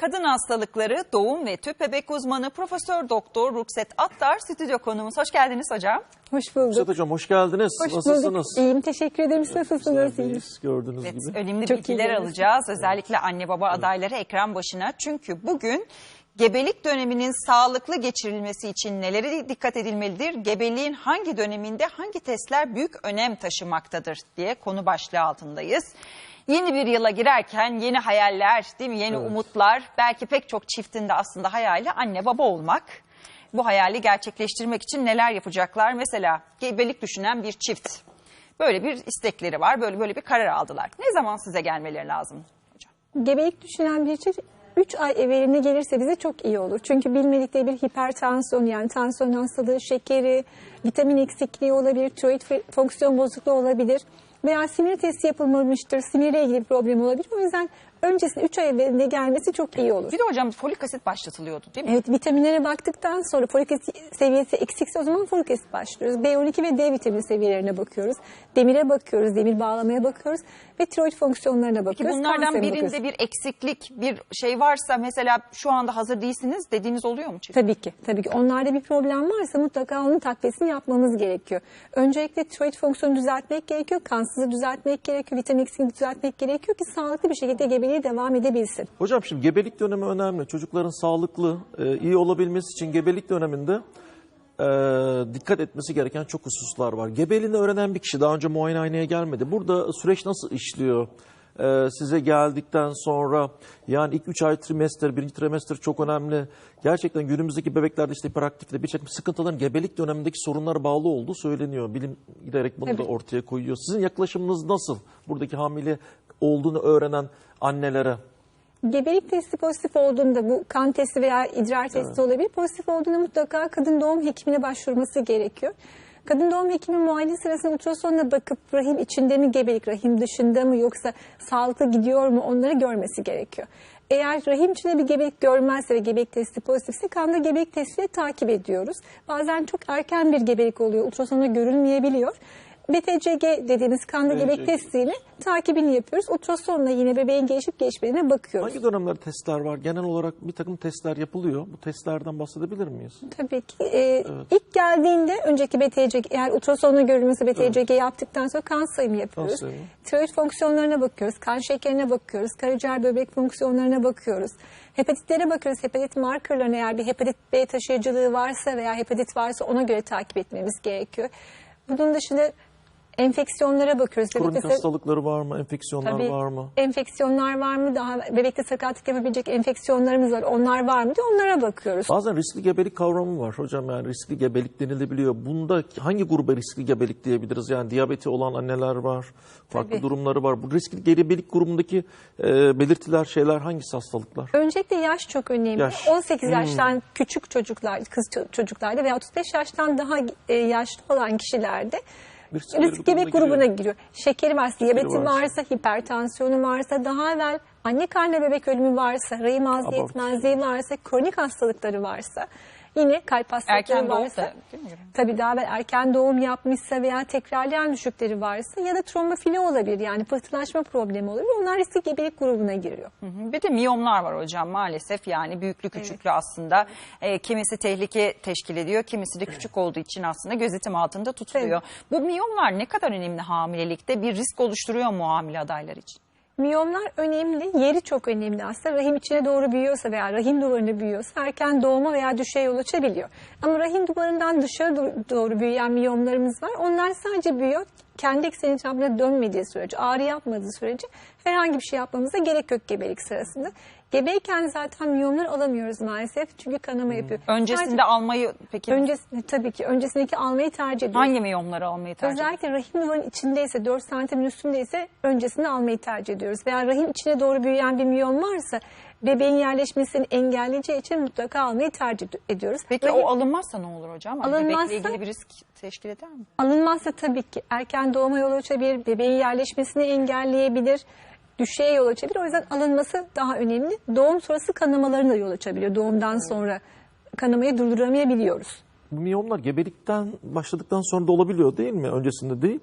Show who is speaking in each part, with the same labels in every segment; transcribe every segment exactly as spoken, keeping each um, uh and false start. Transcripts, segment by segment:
Speaker 1: Kadın hastalıkları, doğum ve tüp bebek uzmanı Profesör Doktor Rukset Attar stüdyo konuğumuz. Hoş geldiniz hocam.
Speaker 2: Hoş bulduk.
Speaker 3: Rukset hocam hoş geldiniz.
Speaker 2: Hoş
Speaker 3: Nasılsınız?
Speaker 2: bulduk. İyiyim, teşekkür ederim. Siz nasılsınız?
Speaker 3: Bizlerdeyiz, gördüğünüz
Speaker 1: Evet,
Speaker 3: gibi.
Speaker 1: önemli
Speaker 2: Çok
Speaker 1: bilgiler
Speaker 2: iyi
Speaker 1: alacağız. Özellikle anne baba adayları ekran başına. Çünkü bugün gebelik döneminin sağlıklı geçirilmesi için nelere dikkat edilmelidir? Gebeliğin hangi döneminde hangi testler büyük önem taşımaktadır diye konu başlığı altındayız. Yeni bir yıla girerken yeni hayaller, değil mi? Yeni
Speaker 3: Evet.
Speaker 1: umutlar. Belki pek çok çiftin de aslında hayali anne baba olmak. Bu hayali gerçekleştirmek için neler yapacaklar? Mesela gebelik düşünen bir çift. Böyle bir istekleri var, böyle böyle bir karar aldılar. Ne zaman size gelmeleri lazım hocam?
Speaker 2: Gebelik düşünen bir çift üç ay evveline gelirse bize çok iyi olur. Çünkü bilmedikleri bir hipertansiyon, yani tansiyon hastalığı, şekeri, vitamin eksikliği olabilir, tiroid fonksiyon bozukluğu olabilir. Veya simir testi yapılmamıştır, simirle ilgili bir problem olabilir. O yüzden öncesinde üç ay evveline gelmesi çok iyi olur.
Speaker 1: Bir de hocam folik asit başlatılıyordu değil mi?
Speaker 2: Evet, vitaminlere baktıktan sonra folik asit seviyesi eksikse o zaman folik asit başlıyoruz. B on iki ve D vitamini seviyelerine bakıyoruz. Demire bakıyoruz, demir bağlamaya bakıyoruz ve tiroid fonksiyonlarına bakıyoruz.
Speaker 1: Peki bunlardan
Speaker 2: kansere
Speaker 1: birinde
Speaker 2: bakıyoruz.
Speaker 1: bir eksiklik, bir şey varsa mesela şu anda hazır değilsiniz dediğiniz oluyor mu çift?
Speaker 2: Tabii ki, tabii ki. Onlarda bir problem varsa mutlaka onun takviyesini yapmamız gerekiyor. Öncelikle tiroid fonksiyonu düzeltmek gerekiyor, kansızı düzeltmek gerekiyor, vitamin eksikliğini düzeltmek gerekiyor ki sağlıklı bir şekilde gebeliğe devam edebilsin.
Speaker 3: Hocam şimdi gebelik dönemi önemli. Çocukların sağlıklı, e, iyi olabilmesi için gebelik döneminde e, dikkat etmesi gereken çok hususlar var. Gebeliğini öğrenen bir kişi daha önce muayenehaneye gelmedi. Burada süreç nasıl işliyor? E, size geldikten sonra yani ilk üç ay trimester, birinci trimester çok önemli. Gerçekten günümüzdeki bebeklerde işte hiperaktifle bir takım sıkıntıların gebelik dönemindeki sorunlara bağlı olduğu söyleniyor. Bilim giderek bunu
Speaker 2: Tabii.
Speaker 3: da ortaya koyuyor. Sizin yaklaşımınız nasıl? Buradaki hamile olduğunu öğrenen annelere.
Speaker 2: Gebelik testi pozitif olduğunda, bu kan testi veya idrar testi olabilir. Pozitif olduğunda mutlaka kadın doğum hekimine başvurması gerekiyor. Kadın doğum hekimi muayene sırasında ultrasonla bakıp rahim içinde mi gebelik, rahim dışında mı yoksa sağlıklı gidiyor mu onları görmesi gerekiyor. Eğer rahim içinde bir gebelik görmezse ve gebelik testi pozitifse kanda gebelik testiyle takip ediyoruz. Bazen çok erken bir gebelik oluyor, ultrasonda görülmeyebiliyor. B T C G dediğimiz kanda gebelik testiyle takibini yapıyoruz. Ultrasonla yine bebeğin gelişip geçmediğine bakıyoruz.
Speaker 3: Hangi dönemlerde testler var? Genel olarak bir takım testler yapılıyor. Bu testlerden bahsedebilir miyiz?
Speaker 2: Tabii ki. Ee, ilk geldiğinde önceki B T C G, eğer ultrasonla görülmesi B T C G yaptıktan sonra kan sayımı yapıyoruz.
Speaker 3: Kan sayımı.
Speaker 2: Tiroid fonksiyonlarına bakıyoruz, kan şekerine bakıyoruz, karaciğer böbrek fonksiyonlarına bakıyoruz. Hepatitlere bakıyoruz. Hepatit markerlarına, eğer bir hepatit B taşıyıcılığı varsa veya hepatit varsa ona göre takip etmemiz gerekiyor. Bunun dışında enfeksiyonlara bakıyoruz.
Speaker 3: Kronik
Speaker 2: Bebekte
Speaker 3: hastalıkları var mı? Enfeksiyonlar
Speaker 2: tabii
Speaker 3: var mı?
Speaker 2: enfeksiyonlar var mı? Daha bebekte sakatlık yapabilecek enfeksiyonlarımız var. Onlar var mı diye onlara bakıyoruz.
Speaker 3: Bazen riskli gebelik kavramı var hocam, yani riskli gebelik denilebiliyor. Bunda hangi gruba riskli gebelik diyebiliriz? Yani diyabeti olan anneler var, farklı
Speaker 2: Tabii.
Speaker 3: durumları var. Bu riskli gebelik grubundaki e, belirtiler, şeyler hangisi hastalıklar?
Speaker 2: Öncelikle yaş çok önemli.
Speaker 3: Yaş.
Speaker 2: on sekiz yaştan küçük çocuklar, kız ço- çocuklarda veya otuz beş yaştan daha e, yaşlı olan kişilerde
Speaker 3: Riskli
Speaker 2: risk gebek grubuna
Speaker 3: giriyor.
Speaker 2: giriyor. Şekeri varsa, diyabeti
Speaker 3: varsa.
Speaker 2: varsa, hipertansiyonu varsa, daha evvel anne karnı bebek ölümü varsa, rahim ağzı yetmezliği varsa, kronik hastalıkları varsa, yine kalp hastalıkları
Speaker 1: Erken doğum
Speaker 2: varsa,
Speaker 1: da değil mi?
Speaker 2: tabii daha evvel erken doğum yapmışsa veya tekrarlayan düşükleri varsa ya da trombofili olabilir, yani pıhtılaşma problemi olabilir. Onlar riskli gebelik grubuna giriyor.
Speaker 1: Hı hı. Bir de miyomlar var hocam maalesef, yani büyüklü küçüklü aslında. E, kimisi tehlike teşkil ediyor, kimisi de küçük olduğu için aslında gözetim altında tutuluyor. Bu miyomlar ne kadar önemli hamilelikte, bir risk oluşturuyor mu hamile adaylar için?
Speaker 2: Miyomlar önemli, yeri çok önemli aslında. Rahim içine doğru büyüyorsa veya rahim duvarına büyüyorsa erken doğuma veya düşeye yol açabiliyor. Ama rahim duvarından dışarı doğru büyüyen miyomlarımız var. Onlar sadece büyüyor, kendi ekseni etrafına dönmediği sürece, ağrı yapmadığı sürece herhangi bir şey yapmamıza gerek yok gebelik sırasında. Gebeyken zaten miyomları alamıyoruz maalesef çünkü kanama yapıyor.
Speaker 1: Öncesinde
Speaker 2: Sadece,
Speaker 1: almayı peki
Speaker 2: öncesinde tabii ki öncesindeki almayı tercih ediyoruz.
Speaker 1: hangi miyomları almayı tercih ediyorsunuz?
Speaker 2: Özellikle rahim duvarının içindeyse, dört santimin üstündeyse öncesinde almayı tercih ediyoruz. Veya rahim içine doğru büyüyen bir miyom varsa bebeğin yerleşmesini engelleyeceği için mutlaka almayı tercih ediyoruz.
Speaker 1: Peki
Speaker 2: rahim,
Speaker 1: o alınmazsa ne olur hocam? Hani
Speaker 2: Alınmazsa-
Speaker 1: bebekle ilgili bir risk teşkil eder mi?
Speaker 2: alınmazsa tabii ki erken doğuma yol açabilir, bebeğin yerleşmesini engelleyebilir, düşeye yol açabilir. O yüzden alınması daha önemli. Doğum sonrası kanamalarına da yol açabiliyor. Doğumdan sonra kanamayı durduramayabiliyoruz.
Speaker 3: Bu miyomlar gebelikten başladıktan sonra da olabiliyor değil mi? Öncesinde değil.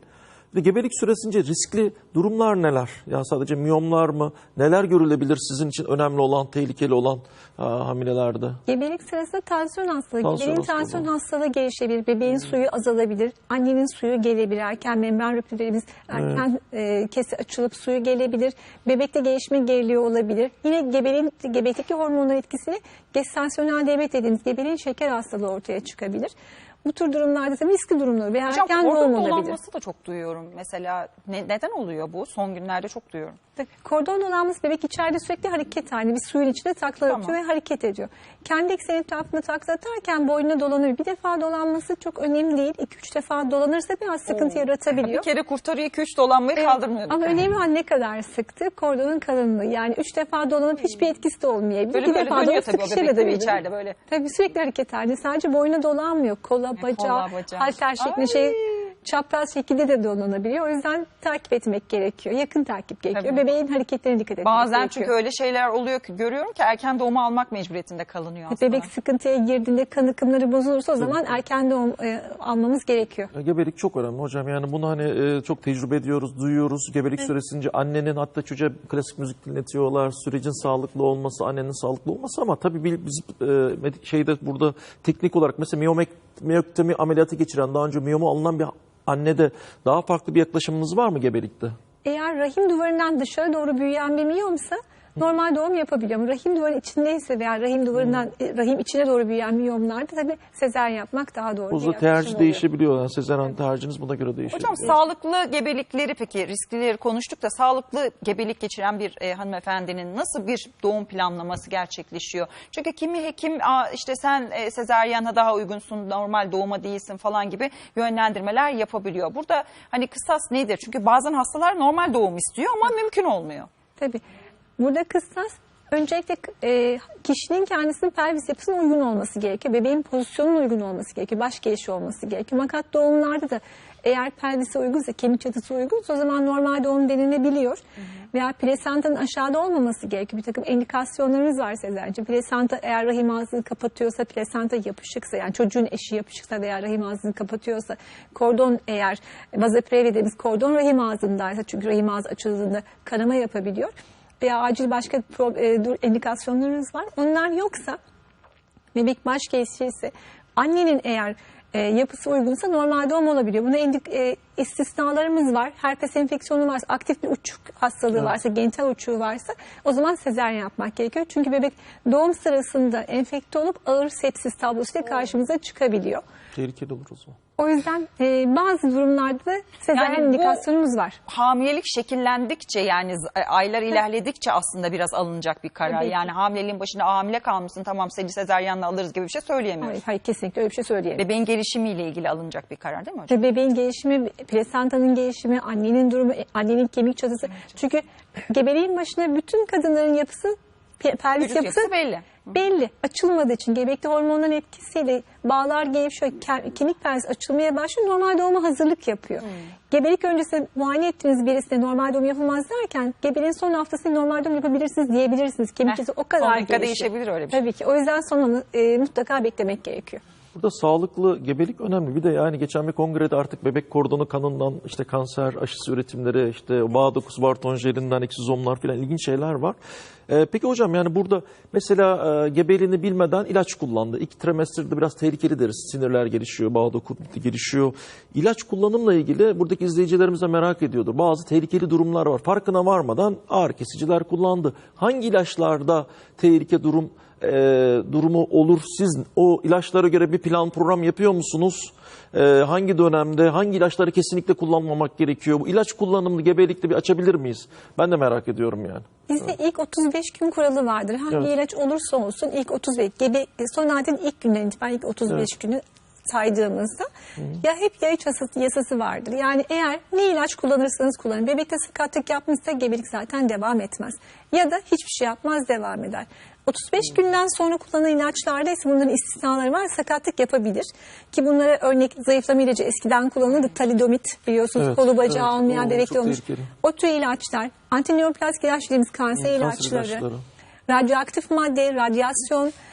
Speaker 3: Bir de gebelik süresince riskli durumlar neler? Yani sadece miyomlar mı? Neler görülebilir sizin için önemli olan, tehlikeli olan ha, hamilelerde?
Speaker 2: Gebelik sırasında tansiyon hastalığı,
Speaker 3: Tansiyon
Speaker 2: bebeğin
Speaker 3: hastalığı.
Speaker 2: tansiyon hastalığı gelişebilir, bebeğin suyu azalabilir, annenin suyu gelebilir, erken membran rüptürlerimiz erken e, kesi açılıp suyu gelebilir, bebekte gelişme geriliği olabilir. Yine gebeliğin, gebelikteki hormonların etkisiyle gestasyonel diyabet dediğimiz gebeliğin şeker hastalığı ortaya çıkabilir. Bu tür durumlarda tabii riskli durumlar veya
Speaker 1: Hocam
Speaker 2: erken doğum
Speaker 1: kordon
Speaker 2: olabilir.
Speaker 1: dolanması da çok duyuyorum. Mesela ne- neden oluyor bu? Son günlerde çok duyuyorum.
Speaker 2: Kordon dolanması bebek içeride sürekli hareket halinde bir suyun içinde takla
Speaker 1: Tamam.
Speaker 2: atıyor ve hareket ediyor. Kendi ekseni etrafında takla atarken boynuna dolanıyor. Bir defa dolanması çok önemli değil. iki üç defa dolanırsa biraz sıkıntı
Speaker 1: Oo.
Speaker 2: yaratabiliyor.
Speaker 1: Bir kere kurtarıyor, iki üç dolanmayı kaldırmıyor.
Speaker 2: Ama önemli olan ne kadar sıktı? Kordonun kalınlığı. Yani üç defa dolanıp hiçbir etkisi de olmayabilir.
Speaker 1: Böyle
Speaker 2: bir
Speaker 1: böyle
Speaker 2: defa
Speaker 1: dönüyor
Speaker 2: dolanıp
Speaker 1: tabii o bebek
Speaker 2: sıkışabilir.
Speaker 1: değil mi içeride böyle?
Speaker 2: Tabii sürekli hareket halinde. Sadece boyuna dolanmıyor. Kola, bacağı,
Speaker 1: kola, bacağı.
Speaker 2: halter şeklinde
Speaker 1: Ay.
Speaker 2: şey çapraz şekilde de dolanabiliyor. O yüzden takip etmek gerekiyor. Yakın takip gerekiyor.
Speaker 1: Tabii.
Speaker 2: Bebeğin hareketlerine dikkat etmek
Speaker 1: Bazen
Speaker 2: gerekiyor.
Speaker 1: çünkü öyle şeyler oluyor ki görüyorum ki erken doğuma almak mecburiyetinde kalınıyor aslında.
Speaker 2: Bebek sıkıntıya girdiğinde kan akımları bozulursa o zaman erken doğum e, almamız gerekiyor.
Speaker 3: Ya, Gebelik çok önemli hocam. Yani bunu hani e, çok tecrübe ediyoruz, duyuyoruz. Gebelik süresince annenin hatta çocuğa klasik müzik dinletiyorlar. Sürecin sağlıklı olması, annenin sağlıklı olması ama tabii bil- biz e, medik- şeyde burada teknik olarak mesela miyomek, miyoktemi ameliyatı geçiren, daha önce miyomu alınan bir annede daha farklı bir yaklaşımınız var mı gebelikte?
Speaker 2: Eğer rahim duvarından dışarı doğru büyüyen bir miyomsa normal doğum yapabiliyor. Ama rahim duvarının içindeyse veya rahim duvarından e, rahim içine doğru büyüyen miyomlarda tabii sezaryen yapmak daha doğru bir
Speaker 3: Burada
Speaker 2: yaklaşım
Speaker 3: tercih
Speaker 2: oluyor.
Speaker 3: değişebiliyor. Yani sezaryen tercihiniz buna göre değişebiliyor.
Speaker 1: Hocam sağlıklı gebelikleri peki risklileri konuştuk da sağlıklı gebelik geçiren bir e, hanımefendinin nasıl bir doğum planlaması gerçekleşiyor? Çünkü kimi hekim Aa, işte sen e, sezaryana daha uygunsun, normal doğuma değilsin falan gibi yönlendirmeler yapabiliyor. Burada hani kısas nedir? Çünkü bazen hastalar normal doğum istiyor ama mümkün olmuyor.
Speaker 2: Tabii. Burada kıstas öncelikle e, kişinin kendisinin pelvis yapısına uygun olması gerekiyor. Bebeğin pozisyonuna uygun olması gerekiyor. Baş gelişi olması gerekiyor. Fakat doğumlarda da eğer pelvise uygunsa, kemik çatısı uygunsa o zaman normal doğum denilebiliyor. Hı hı. Veya plasentanın aşağıda olmaması gerekiyor. Bir takım indikasyonlarımız var sezaryen. Plasenta eğer rahim ağzını kapatıyorsa, plasenta yapışıksa, yani çocuğun eşi yapışıksa veya rahim ağzını kapatıyorsa, kordon eğer vazoprev dediğimiz kordon rahim ağzındaysa, çünkü rahim ağzı açıldığında kanama yapabiliyor. Veya acil başka e, indikasyonlarınız var. Onlar yoksa, bebek baş gelişiyse, annenin eğer e, yapısı uygunsa normal doğum olabiliyor. Buna indik, e, istisnalarımız var. Herpes enfeksiyonu varsa, aktif bir uçuk hastalığı
Speaker 3: Evet.
Speaker 2: varsa, genital uçuğu varsa o zaman sezaryen yapmak gerekiyor. Çünkü bebek doğum sırasında enfekte olup ağır sepsis tablosuyla karşımıza çıkabiliyor.
Speaker 3: Tehlikeli olur o zaman.
Speaker 2: O yüzden e, bazı durumlarda da sezaryen
Speaker 1: Yani bu-
Speaker 2: indikasyonumuz var.
Speaker 1: Hamilelik şekillendikçe yani z- aylar ilerledikçe aslında biraz alınacak bir karar.
Speaker 2: Tabii ki.
Speaker 1: Yani hamileliğin başında hamile kalmışsın tamam seni sezaryenle alırız gibi bir şey söyleyemiyoruz.
Speaker 2: Hayır, hayır kesinlikle öyle bir şey söyleyemem.
Speaker 1: Bebeğin gelişimiyle ilgili alınacak bir karar değil mi hocam?
Speaker 2: Ve bebeğin gelişimi, plasentanın gelişimi, annenin durumu, annenin kemik çatısı. Çünkü gebeliğin başında bütün kadınların yapısı, pe- pelvis
Speaker 1: Vücut
Speaker 2: yapısı,
Speaker 1: yapısı belli.
Speaker 2: belli. Açılmadığı için gebekte hormonların etkisiyle bağlar gevşiyor, ke- kemik pelvis açılmaya başlıyor. Normal doğuma hazırlık yapıyor.
Speaker 1: Hmm.
Speaker 2: Gebelik öncesi muayene ettiğiniz birisine normal doğum yapılmaz derken gebeliğin son haftasında normal doğum yapabilirsiniz diyebilirsiniz. Kemik
Speaker 1: Heh,
Speaker 2: çatısı o
Speaker 1: son
Speaker 2: kadar
Speaker 1: dakika
Speaker 2: gelişiyor.
Speaker 1: değişebilir öyle bir şey.
Speaker 2: Tabii ki. O yüzden sonunu e, mutlaka beklemek gerekiyor.
Speaker 3: Burada sağlıklı gebelik önemli. Bir de yani geçen bir kongrede artık bebek kordonu kanından işte kanser aşısı üretimleri, işte bağ dokusu Barton jelinden eksizomlar filan ilginç şeyler var. Ee, peki hocam yani burada mesela e, gebeliğini bilmeden ilaç kullandı. İlk trimesterde biraz tehlikeli deriz. Sinirler gelişiyor, bağ doku gelişiyor. İlaç kullanımla ilgili buradaki izleyicilerimiz de merak ediyordur. Bazı tehlikeli durumlar var. Farkına varmadan ağrı kesiciler kullandı. Hangi ilaçlarda tehlike durum e, durumu olur? Siz o ilaçlara göre bir plan program yapıyor musunuz? E, hangi dönemde hangi ilaçları kesinlikle kullanmamak gerekiyor? Bu ilaç kullanımını gebelikte bir açabilir miyiz? Ben de merak ediyorum yani.
Speaker 2: Bizde ilk otuz beş gün kuralı vardır. Hangi
Speaker 3: Evet.
Speaker 2: ilaç olursa olsun ilk otuz beş, gebe, son adetin ilk günden itibaren ilk otuz beş
Speaker 3: Evet.
Speaker 2: günü saydığımızda ya hep ya üç yasası, yasası vardır. Yani eğer ne ilaç kullanırsanız kullanın. Bebekte sakatlık yapmışsa gebelik zaten devam etmez. Ya da hiçbir şey yapmaz, devam eder. otuz beş günden sonra kullanılan ilaçlarda ise bunların istisnaları var. Sakatlık yapabilir. Ki bunlara örnek zayıflama ilacı eskiden kullanılırdı. Talidomit biliyorsunuz,
Speaker 3: Evet,
Speaker 2: kolu bacağı
Speaker 3: evet.
Speaker 2: olmayan
Speaker 3: Oo,
Speaker 2: bebekte
Speaker 3: çok
Speaker 2: olmuş.
Speaker 3: tehlikeli.
Speaker 2: O tür ilaçlar, antineoplastik ilaç dediğimiz kanser
Speaker 3: Kanser
Speaker 2: ilaçları,
Speaker 3: ilaçları.
Speaker 2: radyoaktif madde, radyasyon,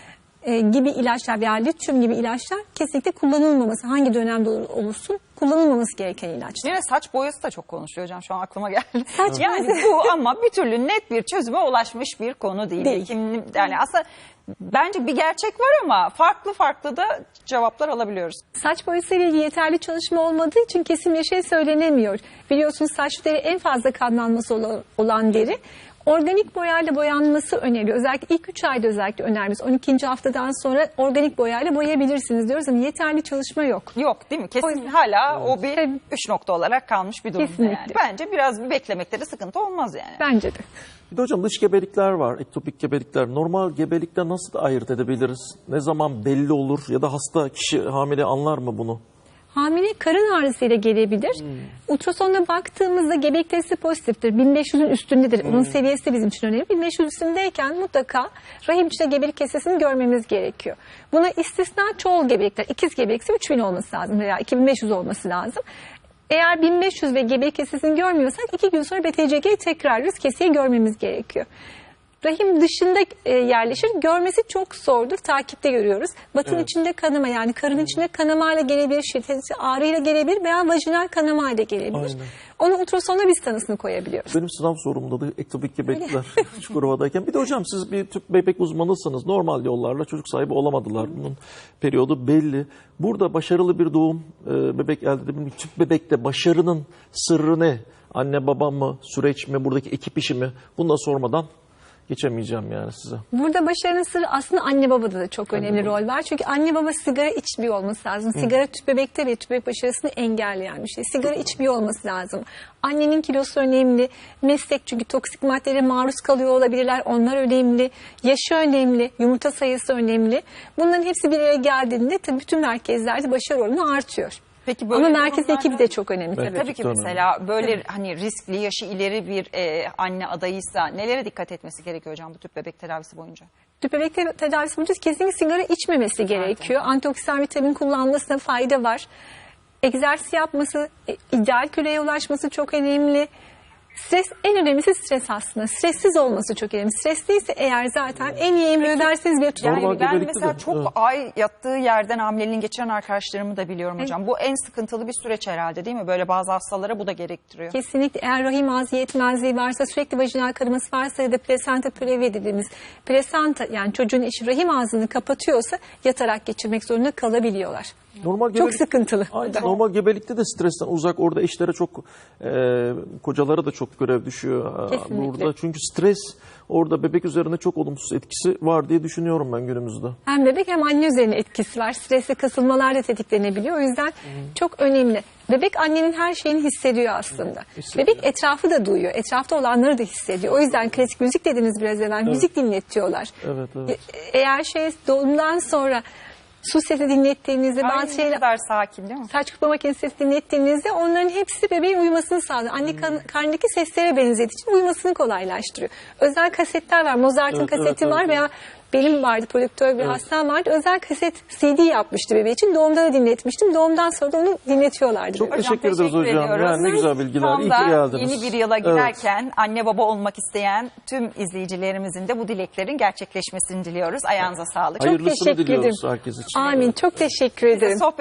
Speaker 2: e, gibi ilaçlar veya lityum gibi ilaçlar kesinlikle kullanılmaması, hangi dönemde olur- olursun kullanılmaması gereken ilaçlar.
Speaker 1: Yine saç boyası da çok konuşuluyor hocam, şu an aklıma geldi.
Speaker 2: Saç
Speaker 1: yani
Speaker 2: boyası.
Speaker 1: bu ama bir türlü net bir çözüme ulaşmış bir konu değil.
Speaker 2: Değil.
Speaker 1: Kim, yani aslında bence bir gerçek var ama farklı farklı da cevaplar alabiliyoruz.
Speaker 2: Saç boyasıyla ilgili yeterli çalışma olmadığı için kesin bir şey söylenemiyor. Biliyorsunuz saç deri en fazla kanlanması olan- olan deri. Organik boyayla boyanması öneriliyor. Özellikle ilk üç ayda özellikle önerimiz. on ikinci haftadan sonra organik boyayla boyayabilirsiniz diyoruz ama yeterli çalışma yok.
Speaker 1: Yok değil mi? Kesin
Speaker 2: O yüzden-
Speaker 1: hala o bir
Speaker 2: Tabii.
Speaker 1: üç nokta olarak kalmış bir durum.
Speaker 2: Kesinlikle.
Speaker 1: Yani. Bence biraz bir beklemekte sıkıntı olmaz yani.
Speaker 2: Bence de.
Speaker 3: Bir de hocam dış gebelikler var, ektopik gebelikler. Normal gebelikten nasıl ayırt edebiliriz? Ne zaman belli olur ya da hasta kişi hamile anlar mı bunu?
Speaker 2: Hamile karın ağrısıyla gelebilir. Ultrasonda baktığımızda gebelik testi pozitiftir. bin beş yüzün üstündedir. Onun seviyesi de bizim için önemli. bin beş yüz üstündeyken mutlaka rahim içinde gebelik kesesini görmemiz gerekiyor. Buna istisna çoğul gebelikler. İkiz gebelikse üç bin olması lazım veya iki bin beş yüz olması lazım. Eğer bin beş yüz ve gebelik kesesini görmüyorsak iki gün sonra B T C G'yi tekrarlıyoruz. Keseyi görmemiz gerekiyor. Rahim dışında e, yerleşir. Görmesi çok zordur. Takipte görüyoruz. Batın
Speaker 3: Evet.
Speaker 2: içinde kanama, yani karın içinde kanamayla gelebilir, şiddetli ağrıyla gelebilir veya vajinal kanamayla gelebilir.
Speaker 3: Aynen.
Speaker 2: Onu ultrasonda biz tanısını koyabiliyoruz.
Speaker 3: Benim sınav sorumda da ektopik gebelikler Çukurova'dayken. Bir de hocam siz bir tüp bebek uzmanısınız. Normal yollarla çocuk sahibi olamadılar. Bunun periyodu belli. Burada başarılı bir doğum e, bebek elde edebilmek. Tüp bebekte başarının sırrı ne? Anne baba mı? Süreç mi? Buradaki ekip işi mi? Bunu da sormadan geçemeyeceğim yani size.
Speaker 2: Burada başarının sırrı aslında anne babada da çok önemli rol var. Çünkü anne baba sigara içmiyor olması lazım. Sigara tüp bebekte ve tüp bebek başarısını engelleyen bir şey. Sigara içmiyor olması lazım. Annenin kilosu önemli. Meslek, çünkü toksik maddelere maruz kalıyor olabilirler. Onlar önemli. Yaşı önemli. Yumurta sayısı önemli. Bunların hepsi bir araya geldiğinde tabii bütün merkezlerde başarı oranı artıyor.
Speaker 1: Peki
Speaker 2: Ama merkez
Speaker 1: durumlarda-
Speaker 2: ekibi de çok önemli
Speaker 3: Evet.
Speaker 2: tabii.
Speaker 1: Tabii ki
Speaker 3: Tabii.
Speaker 1: mesela böyle hani riskli, yaşı ileri bir e, anne adayıysa nelere dikkat etmesi gerekiyor hocam bu tüp bebek tedavisi boyunca?
Speaker 2: Tüp bebek te- tedavisi boyunca kesinlikle sigara içmemesi gerekiyor. Antioksidan vitamin kullanmasına fayda var. Egzersiz yapması, e, ideal kiloya ulaşması çok önemli. Stres, en önemlisi stres aslında. Stressiz olması çok önemli. Stresliyse eğer zaten en iyi emri öderseniz bir tüp
Speaker 1: Yani
Speaker 3: Normal
Speaker 1: ben
Speaker 3: gebelikte
Speaker 1: mesela
Speaker 3: de,
Speaker 1: çok
Speaker 3: evet.
Speaker 1: ay yattığı yerden hamileliğini geçiren arkadaşlarımı da biliyorum hocam. Bu en sıkıntılı bir süreç herhalde değil mi? Böyle bazı hastalara bu da gerektiriyor.
Speaker 2: Kesinlikle, eğer rahim ağzı yetmezliği varsa, sürekli vajinal kanaması varsa ya da plasenta pürevi dediğimiz plasenta, yani çocuğun içi rahim ağzını kapatıyorsa yatarak geçirmek zorunda kalabiliyorlar.
Speaker 3: Normal
Speaker 2: Çok sıkıntılı.
Speaker 3: Aynen. Normal gebelikte de stresten uzak. Orada eşlere çok, e, kocalara da çok görev düşüyor. e,
Speaker 2: Kesinlikle.
Speaker 3: Burada. Çünkü stres orada bebek üzerinde çok olumsuz etkisi var diye düşünüyorum ben günümüzde.
Speaker 2: Hem bebek hem anne üzerine etkisi var. Stresli kasılmalar da tetiklenebiliyor. O yüzden çok önemli. Bebek annenin her şeyini hissediyor aslında.
Speaker 3: hissediyor.
Speaker 2: Bebek etrafı da duyuyor. Etrafta olanları da hissediyor. O yüzden klasik müzik dediniz biraz evvel. Müzik dinletiyorlar.
Speaker 3: Evet, evet.
Speaker 2: E- Eğer şey doğumdan sonra su sesi dinlettiğinizde,
Speaker 1: Ay,
Speaker 2: bazı
Speaker 1: ne
Speaker 2: şeyler,
Speaker 1: kadar sakin değil mi?
Speaker 2: saç kurutma makinesi sesi dinlettiğinizde onların hepsi bebeğin uyumasını sağlıyor. Anne kan- karnındaki seslere benzediği için uyumasını kolaylaştırıyor. Özel kasetler var. Mozart'ın
Speaker 3: Evet,
Speaker 2: kaseti
Speaker 3: evet,
Speaker 2: var
Speaker 3: evet,
Speaker 2: veya benim vardı, prodüktör bir hastam vardı. Özel kaset C D yapmıştı bebeği için. Doğumda da dinletmiştim. Doğumdan sonra da onu dinletiyorlardı.
Speaker 3: Çok
Speaker 2: bebeğe.
Speaker 3: teşekkür ederiz hocam.
Speaker 1: ediyoruz.
Speaker 3: Yani ne güzel bilgiler.
Speaker 1: Tam
Speaker 3: İyi
Speaker 1: da
Speaker 3: ki geldiniz.
Speaker 1: yeni bir yıla
Speaker 3: Evet.
Speaker 1: girerken anne baba olmak isteyen tüm izleyicilerimizin de bu dileklerin gerçekleşmesini diliyoruz. Ayağınıza sağlık.
Speaker 3: Hayırlısını
Speaker 2: teşekkür
Speaker 3: diliyoruz
Speaker 2: ederim.
Speaker 3: herkes için.
Speaker 2: Amin. Çok teşekkür ederim.
Speaker 1: Sohbet